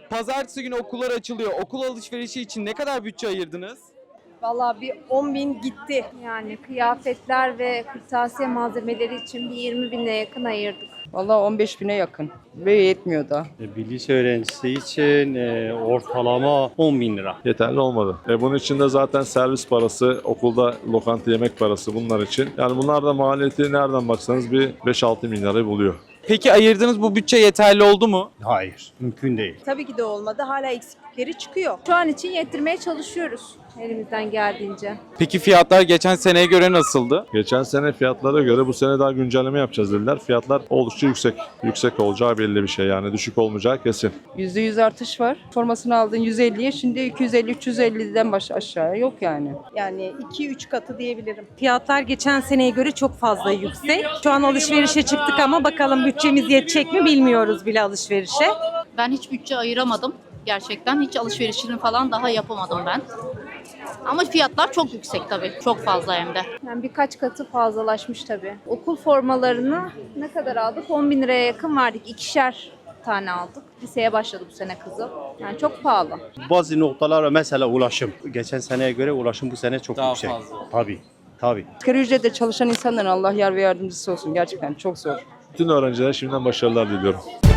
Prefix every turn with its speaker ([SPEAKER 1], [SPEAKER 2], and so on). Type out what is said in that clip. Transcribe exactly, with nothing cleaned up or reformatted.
[SPEAKER 1] Pazartesi günü okullar açılıyor. Okul alışverişi için ne kadar bütçe ayırdınız?
[SPEAKER 2] Vallahi bir on bin gitti. Yani kıyafetler ve kırtasiye malzemeleri için bir yirmi bine yakın ayırdık.
[SPEAKER 3] Vallahi on beş bine yakın ve yetmiyor da.
[SPEAKER 4] E, Bir lise öğrencisi için e, ortalama on bin lira.
[SPEAKER 5] Yeterli olmadı. E bunun için de zaten servis parası, okulda lokanta yemek parası bunlar için. Yani bunlar da maliyeti nereden baksanız bir beş altı bin lirayı buluyor.
[SPEAKER 1] Peki ayırdığınız bu bütçe yeterli oldu mu?
[SPEAKER 4] Hayır, mümkün değil.
[SPEAKER 2] Tabii ki de olmadı. Hala eksiklikleri çıkıyor. Şu an için yettirmeye çalışıyoruz elimizden geldiğince.
[SPEAKER 1] Peki fiyatlar geçen seneye göre nasıldı?
[SPEAKER 5] Geçen sene fiyatlara göre bu sene daha güncelleme yapacağız dediler. Fiyatlar oldukça yüksek. Yüksek olacağı belli bir şey yani düşük olmayacağı kesin.
[SPEAKER 3] yüzde yüz artış var. Formasını aldın yüz elliye, şimdi iki yüz elli üç yüz elliden baş aşağıya yok yani.
[SPEAKER 2] Yani iki üç katı diyebilirim.
[SPEAKER 6] Fiyatlar geçen seneye göre çok fazla yüksek. Şu an alışverişe çıktık ama bakalım bütçemiz yetecek mi bilmiyoruz bile alışverişe.
[SPEAKER 7] Ben hiç bütçe ayıramadım. Gerçekten hiç alışverişini falan daha yapamadım ben. Ama fiyatlar çok yüksek tabii. Çok fazla hem de.
[SPEAKER 2] Yani birkaç katı fazlalaşmış tabii. Okul formalarını ne kadar aldık? on bin liraya yakın verdik. İkişer tane aldık. Liseye başladı bu sene kızım. Yani çok pahalı.
[SPEAKER 4] Bazı noktalara mesela ulaşım. Geçen seneye göre ulaşım bu sene çok
[SPEAKER 1] Daha
[SPEAKER 4] yüksek.
[SPEAKER 1] fazla.
[SPEAKER 4] Tabii, tabii.
[SPEAKER 3] Asgari ücretle çalışan insanların Allah yar ve yardımcısı olsun. Gerçekten çok zor.
[SPEAKER 5] Bütün öğrencilere şimdiden başarılar diliyorum.